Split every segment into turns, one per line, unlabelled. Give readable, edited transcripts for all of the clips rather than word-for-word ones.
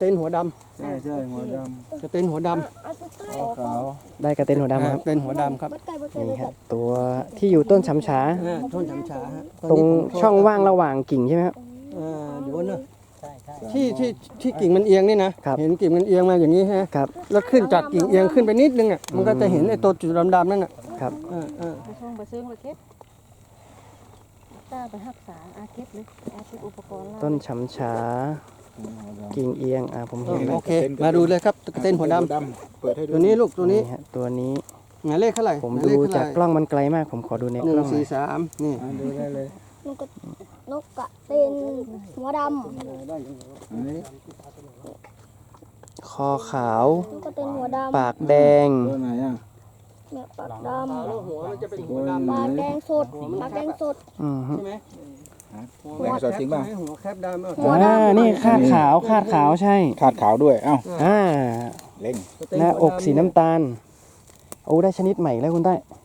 เตนหัวดำ
ใช่หัวดำ
กระเตนหัวด
ขาว
ได้กระเต็นหัว
ำ
ดำครับ
เตนหัวดำครับ
นี่ครับตัวที่อยู่ต้นช้ำฉา
ต้นฉำฉาฮะ
ตรงช่องว่างระหว่างกิ่งใช่ไหมครับ
เดี๋ยวนะที่กิ่งมันเอียงนี่นะครับ เห็นกิ่งมันเอียงมาอย่างนี้ฮะ
ครับ
แล้วขึ้นจากกิ่งเอียงขึ้นไปนิดนึงอ่ะมันก็จะเห็นไอ้ตัวจุดดำๆนั่นอ่ะ
ครับ
ไปช่องไปซื้อมาเก็บตาไปรักษาอาเก็บเลยอาเก็บอุปกรณ์
ต้นช้ำฉากิ่งเอียงผมเห็นแล้ว
โอเคมาดูเลยครับกระเตนหัวดำ
เปิดให้ดู
ตัวนี้ลูกตัวนี้
ฮะตัวนี้
หมายเลขเท่าไหร่
ผมดูจากกล้องมันไกลมากผมขอดูใน
ห
ก
นึ่
ล้อง งหน่อย
4 3นี่
ดูได้เลย
นกกระเต็นหัวด
อันนี้
คอขาว
ำนกกระเต็นหัวดำ
ปากแดง
ตัวไหนอ่ะ
เนี่ยปากด
หัวมันจะเป็นหัว
ตัว
ดำ
ำปากแดงสดปากแดงสด
ใช่ไหม
แดงสดจริงป่ะ
หัวแคบดำ
หัวดำ
นี่คาดขาวใช่
ขาดขาวด้วย เอ้า
อ่า
เล่ง
หน้าอกสีน้ำตาลโอ้ได้ชนิดใหม่แล้วคุณใต้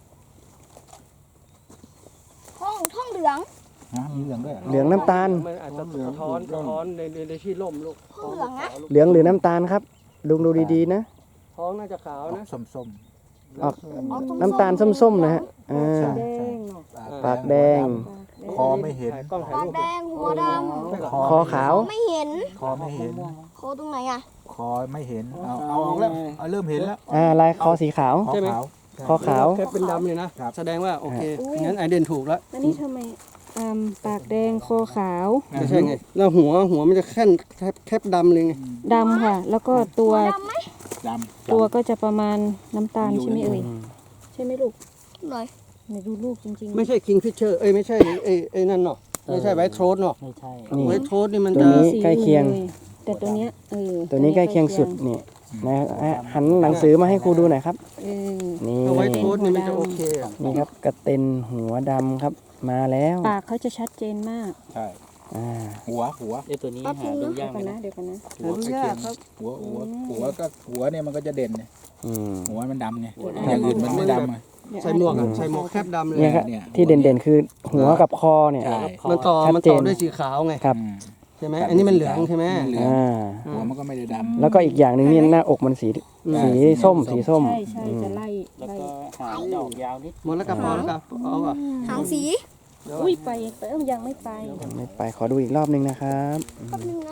ท้องเหลือง
มีเหลืองด้วย
เหลืองน้ำตาล
มันอาจจะสะท้อนในที่ร่มลูก
ท้องเหลืองนะ
เหลืองหรือน้ำตาลครับลุงดูดีๆนะ
ท้องน่าจะขาวนะ
ส้ม
ออกน้ำตาลส้มๆนะฮะอ่า
แดงเนาะ
ปากแดง
คอไม่เห็น
กล้องถ่าย
ปาก
รูป
แดงหัวด
คอขาว
ำไม่เห็น
คอไม่เห็น
โคตรงไหนอ่ะ
คอไม่เห็น เอาออกแล้วเริ่มเห็นแล้ว
ลายคอสีขาว
คอขาว
คอขาว
แคบเป็นดำเลยนะแสดงว่าโอเคงั้นไอเดนถูกแล้ว
อันนี้ทำไมปากแดงคอขาว
ไม่ใช่ไงแล้วหัวมันจะแคบดำเลยไง
ดำค่ะ แล้วก็ตัว
หัวดำไหม
ดำ
ตัวก็จะประมาณน้ำตาลใช่ไหมเอ่ยใช่ไหมลูก
หน่อย
ไหนดูลูกจริงๆ
ไม่ใช่คิงฟิชเชอร์ไม่ใช่ไอ้นั่นเนาะไม่ใช่ไวท์โทรสเนาะ
ไม่ใช่
ไวท์โทรสนี่มัน
ตัว
จะ
นี้
สี
ใกล้เคียง
ลแต่ตัวเนี้ย
ตัวนี้ใกล้เคียงสุดนี่นะหันหนังสือมาให้ครูดูหน่อยครับ นี่
ไวท์โทรสนี่มันจะโอเคอะ
นี่ครับกระเต็นหัวดำครับ มาแล้ว
ปากเขาจะชัดเจนมาก
ใช่
อ่า
หัว
ตัวนี้หาดูยาก
เดี๋ยวกันนะเดี๋ยวกันนะ
หัวใกล้เคียงหัวเนี่ยมันก็จะเด่นเนี่ย
อืม
หัวมันดำไงอย่างอื่นมันไม่ดำไง
ใส่หมวกอะใส่หมวกแคบดำเลย
เนี่ยครับ
เนี่ย
ที่เด่นๆคือหัวกับคอเนี่ย
ใช่
มันต่อ
ชัดเจน
ด้วยสีขาวไง
ครับ
ใช่ไหมอันนี้มันเหลืองใช่ไหม
เหลือง
อ่า
หัวมันก็ไม่ได้ดำ
แล้วก็อีกอย่างหนึ่งนี่หน้าอกมันสีส้มสีส้ม
ใช่ใช่จะไล่
หางดอกยาวนิด
หมดแล้วกับพอแล้วกับเอาอ่ะ
หางสี
อุ้ยไปยังไม่ไป
ไม่ไปขอดูอีกรอบหนึงนะครับ
แป๊บนึงนะ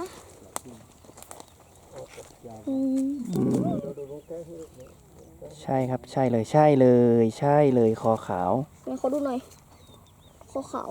ใช่ครับใช่เลยใช่เลยใช่เลยคอขาว
ไหนขอดูหน่อยขอขาว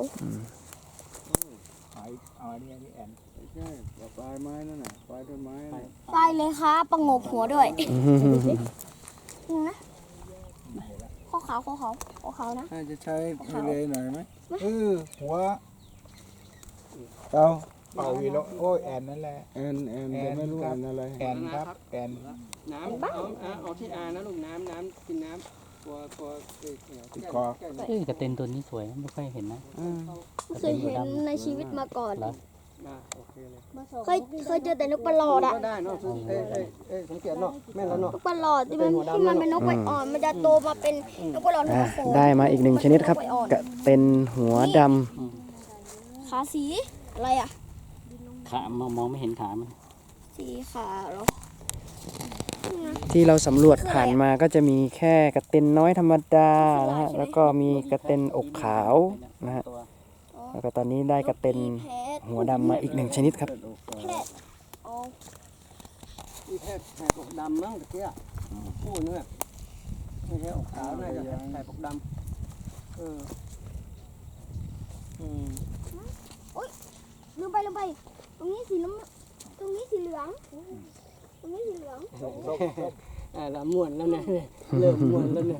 เอาอันนี้แอน
ใช่ปลายไม้นั่นน่ะปลายต้นไม้
ไปเลยค่ะประงบหัวด้วยนึงนะขอขาวนะ
น่าจะใช้ทะเลหน่อยไหมหัวเตาเป่าวีโลโอ้ยแอนนั่นแหละแอนแต่ไม่รู้แอนอะไรแอนครับแอน
น้ำเอาที่อานะลูกน้ำกินน้ำตัว
ติดคอ
กระเต็นตัวนี้สวยไม่ค่อยเห็นนะ
ไม่เคยเห็นในชีวิตมาก่อน
โอเคเลย
เคยเจอแต่นกประหลอดอะ
ก็ได้เนาะสังเกตเนาะแม่แล้วเนาะ
นกประหลอดที่มันเป็นนกไวอ่อนมันจะโตมาเป็นนกประหลอดหัวโขน
ได้มาอีกหนึ่งชนิดครับกระเต็นหัวดำ
ขาสีอะไรอ่ะ
ขามองไม่เห็นขามัน
สีขาเหรอ
ที่เราสำรวจผ่านมาก็จะมีแค่กระเต็นน้อยธรรมดานะฮะแล้วก็มีกระเต็นอกขาวนะฮะแล้วก็ตอนนี้ได้กระเต็นหัวดำมาอีกหนึ่งชนิดครับ
แพะอ๋อ
ที่แพทย์แผ่ปกดำมั้งตะเกียบพูดเนี่ยไม่ใช่อกขาวน่าจะแผ่ปกดำ
ลืมไปตรงนี้สีน้ำตรงนี้สีเหลืองตรงนี้สีเหลือง
ละม่วนแล้วเนี่ยเริ่มม่วนแล้วเนี่ย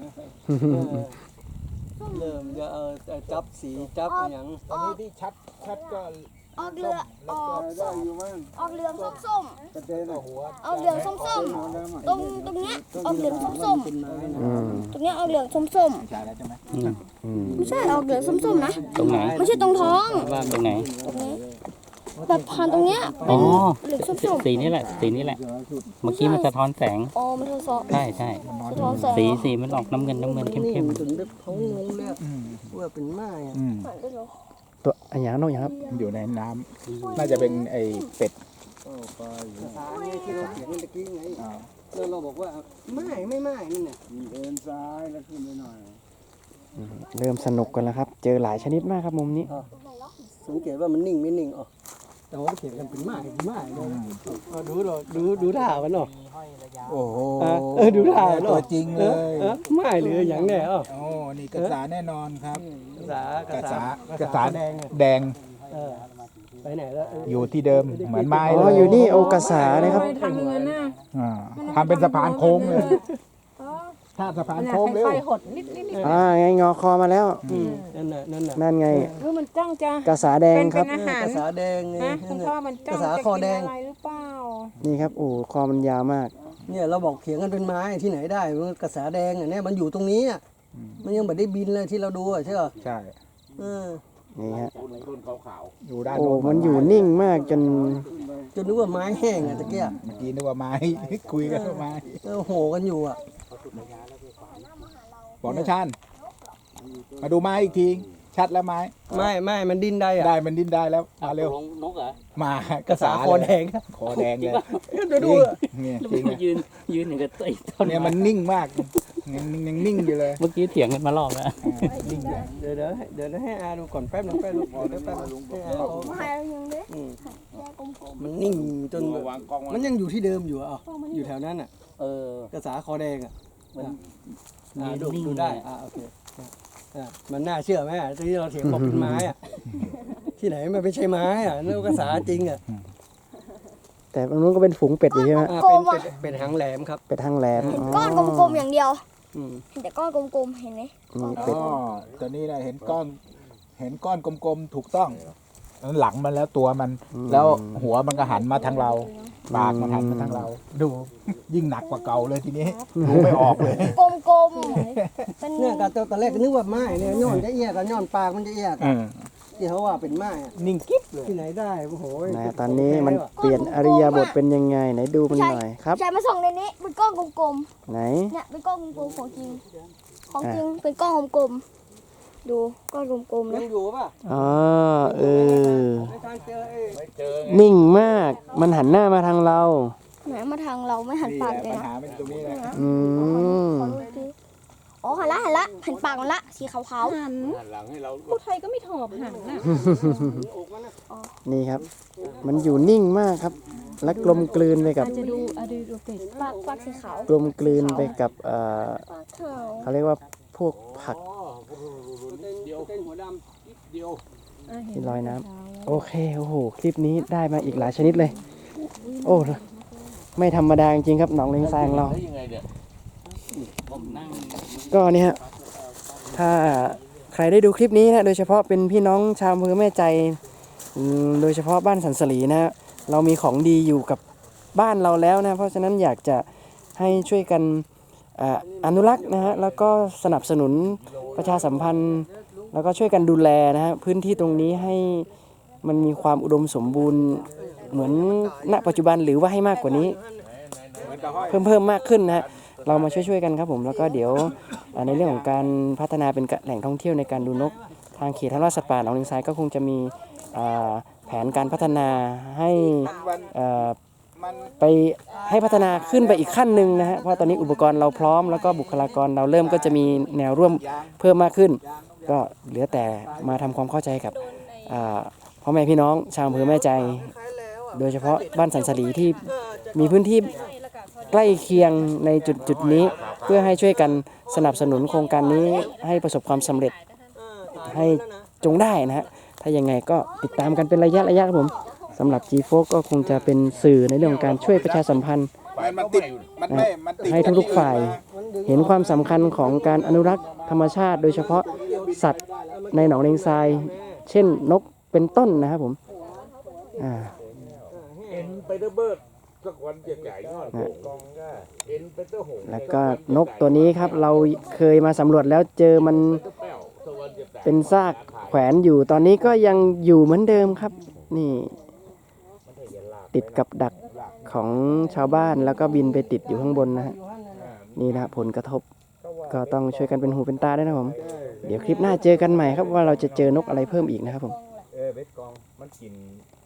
เริ่มจะจับสีจับอย่าง
ตอนนี้ที่ชัดก็
ออกเหลืองออกเหลืองส้ม
กระเด็นหัว
ๆออกเหลืองส้มๆตรงเนี้ยออกเหลืองส้ม
เป็นไม้นะ
ๆตรงเนี้ยออกเหลืองส้ม
ใช่แล้วใช่ไหม
ๆไม่ใช่ออกเหลืองส้มๆนะ
ตรงไหน
ไม่ใช่ตรงท้อง
ว่าตรงไหน
ตรงนี้แบบผ่านตรงเนี้ย
อ๋
เป็
อน
เหลืองส้ม
สีนี้แหละสีนี้แหละ เมื่อกี้มันสะท้อนแสง
ๆอ๋อมันสะท้อน
ใช่ใช่
สะท้อนแสง
สีมันออกน้ำเงินเข้ม
นี่ถึงได้เขางงเลยว่าเป็นไม้อะ
ผ่านได้เหรอ
ตัวอันอย่างนอกอย่างครับ
อยู่ในน้ำน่าจะเป็นไอเป็ดไป
ภาษาเนี่ยที่เราเขียนเมื่อกี้ไง
อ่า
แล้วเราบอกว่าไม่นั่นน่ะ
เดินซ้ายแล้วขึ้นไปหน่อย
เริ่มสนุกกันแล้วครับ เจอหลายชนิดมากครับมุมนี้
สังเกตว่ามันนิ่งไม่นิ่งอ๋อแต่ว่าเขียนกันเป็นไม้เลยดูท่ามันเนาะ
โอ้โห
ดูท่าเนาะ
ตัวจริงเลย
ไม้หรืออย่างแน่อ๋อ
โอ้นี่กระสาแน่นอนครับ
กระสาก
ระสา
แดง
แดง
ไปไหนแล้ว
อยู่ที่เดิมเหมือนไม้
อ๋
เล
อย อยู่นี่โอกาสานะครับ
ทำเงินน่ะ
อ่าทำเป็นสะพานโค้งเลย ถ้าสะพานโค้งเร็ว
ไฟหดนิด
ไงงอคอมาแล้ว
นั่นน่ะ
นั่นไง
มันจ้องจะ
กระสาแดงครับ
เป็นอาหาร
กระสาแดงไง
นะคุณพ่อมันจ้อง
กระสา
จะ
คอ
กิน
แดง
อะไรหรือเปล่า
นี่ครับโอ้คอมันยาวมาก
เนี่ยเราบอกเขียนกันเป็นไม้ที่ไหนได้กระสาแดงอ่ะเนี่ยมันอยู่ตรงนี้อ่ะมันยังไม่ได้บินเลยที่เราดูอ่ะใช่ป่ะ
ใช่
นี่ฮะ
อยู่ด้าน
โอ้
โน้น
มันอยู่นิ่งมากจน
จนนึกว่าไม้แห้งอ่ะตะเกีย
เมื่อกี้นึกว่าไม้ คุยกันว่าไม้
โหกันอยู่อ่ะ
บอกนะชานมาดูไม้อีกที ชัดแล้วไม้
ไม่มันดิ้นได้อ่ะ
ได้มันดิ้นได้แล้วมาเร็ว
นกเหรอ
มาก
ระสาคอแดง
คอแดงเลย
ดู
เนี่ย
แล้ว
จริง
มันยืนอย่างกับไอ้ต้น
เนี่ยมันนิ่งมากยังนิ่งอยู่เลย
เมื่อกี้เถียงกันมารอบแล้ว
นิ่งอยู่
เดี๋ยวให้อาดูก่อนแป๊บนึงให้อาเขา
มายังเด้
มันนิ่งจนมันยังอยู่ที่เดิมอยู่อ่ะอยู่แถวนั้นอ่ะ กระสาคอแดงอ่ะ
มัน
ดูได้โอเคมันน่าเชื่อไหมที่เราเถียงบอกเป็นไม้อ่ะที่ไหนมันไม่ใช่ไม้อ่ะนั่นกระสาจริงอ่ะ
แต่ตรงนู้นก็เป็นฝูงเป็ดอยู่ใช่ไหม
เป็นหางแหลมครับ
เป็ดทางแหลม
ก้อนกลมๆอย่างเดียว
อืม
เห็นแต่ก้อนกลมๆเห็นไหม
มี
อ๋
เป็ด
อตัวนี้นะเห็นก้อนกลมๆถูกต้องหลังมันแล้วตัวมัน แล้วหัวมันก็หันมาทางเราปากมันหันมาทางเรา ดูยิ่งหนักกว่าเก่าเลยทีนี้ดูไม่ออกเลย
กลมๆเป็น
เนี่ยตอนแรกก็นึกว่าไม้เนี่ยย้อนจะเอียกันย้อนปากมันจะเอียกที่เขาว่าเป็นไม้อะ
นิ่งกิ๊บเลย
ที่ไหนได้โอ้โห
นะตอนนี้มันเปลี่ยนอริยบทเป็นยังไงไหนดูมันหน่อยครับ
ใช่มาส่องในนี้เป็นก้อนกลม
ไหน
ๆเนี่ยเป็นก้อนกลมๆของจริงเป็นก้อนกลมๆดูก้อนกลมๆ
ยั
นะ
งอยู่ป่ะ
อ๋อเออ
ในทางเจอเอง
นิ่งมากมันหันหน้ามาทางเรา
ไหนมาทางเราไม่หัน
นี่
ปาก
แห
เล
ละ
ย
ปัญ
นะ
หาเป็นตรงนี้แหละ
อืม
ขอดูสิอ๋อหันละหันปากมันละสีขาว
หันผู้ไทยก็ไม่ถอบหันน่ะ
นี่ครับ มันอยู่นิ่งมากครับ และกลมกลืนไปกับ
อาจจะดูดูเป็ด
ๆปากสีขาว
กลมกลืนไปกับ
ปากขาว
เขาเรียกว่าพวกผัก
เป็นหัวดำเดียว
ที่ลอยน้ำโอเคโอ้โหคลิปนี้ได้มาอีกหลายชนิดเลย โอ้ไม่ธรรมดาจริงๆครับหนองเลงแซงเรา
ผมนั่ง
ก็เนี่ยฮะถ้าใครได้ดูคลิปนี้นะโดยเฉพาะเป็นพี่น้องชาวอำเภอแม่ใจโดยเฉพาะบ้านสันสลีนะฮะเรามีของดีอยู่กับบ้านเราแล้วนะเพราะฉะนั้นอยากจะให้ช่วยกันอนุรักษ์นะฮะแล้วก็สนับสนุนประชาสัมพันธ์ แล้วก็ช่วยกันดูแลนะฮะพื้นที่ตรงนี้ให้มันมีความอุดมสมบูรณ์เหมือนณปัจจุบันหรือว่าให้มากกว่านี้ เพิ่มมากขึ้นนะฮะเรามาช่วยกันครับผมแล้วก็เดี๋ยวในเรื่องของการพัฒนาเป็นแหล่งท่องเที่ยวในการดูนกทางเขตทัศน์สัตว์ป่าหนองลิงทรายก็คงจะมีแผนการพัฒนาให้ไปให้พัฒนาขึ้นไปอีกขั้นหนึ่งนะฮะเพราะตอนนี้อุปกรณ์เราพร้อมแล้วก็บุคลากรเราเริ่มก็จะมีแนวร่วมเพิ่มมากขึ้น ก็เหลือแต่มาทำความเข้าใจกับพ่อแม่พี่น้องชาวอำเภอแม่ใจ โดยเฉพาะบ้านสันสลีที่มีพื้นที่ใกล้เคียงในจุดนี้เพื่อให้ช่วยกันสนับสนุนโครงการนี้ให้ประสบความสำเร็จให้จงได้นะฮะถ้ายังไงก็ติดตามกันเป็นระยะครับผมสำหรับ G4 ก็คงจะเป็นสื่อในเรื่องของการช่วยประชาสัมพันธ์
มันติดมันไม่มันติด
ให้ทุกๆฝ่ายเห็นความสำคัญของการอนุรักษ์ธรรมชาติ โดยเฉพาะสัตว์ในหนองเลงทราย เช่นนกเป็นต้นนะครับผมแล้วก็นกตัวนี้ครับเราเคยมาสำรวจแล้วเจอมันเป็นซากแขวนอยู่ตอนนี้ก็ยังอยู่เหมือนเดิมครับนี่ติดกับดักของชาวบ้านแล้วก็บินไปติดอยู่ข้างบนนะฮะนี่นะผลกระทบก็ต้องช่วยกันเป็นหูเป็นตาด้วยนะผมเดี๋ยวคลิปหน้าเจอกันใหม่ครับว่าเราจะเจอนกอะไรเพิ่มอีกนะครับผม
เบ็ดกองมันกิน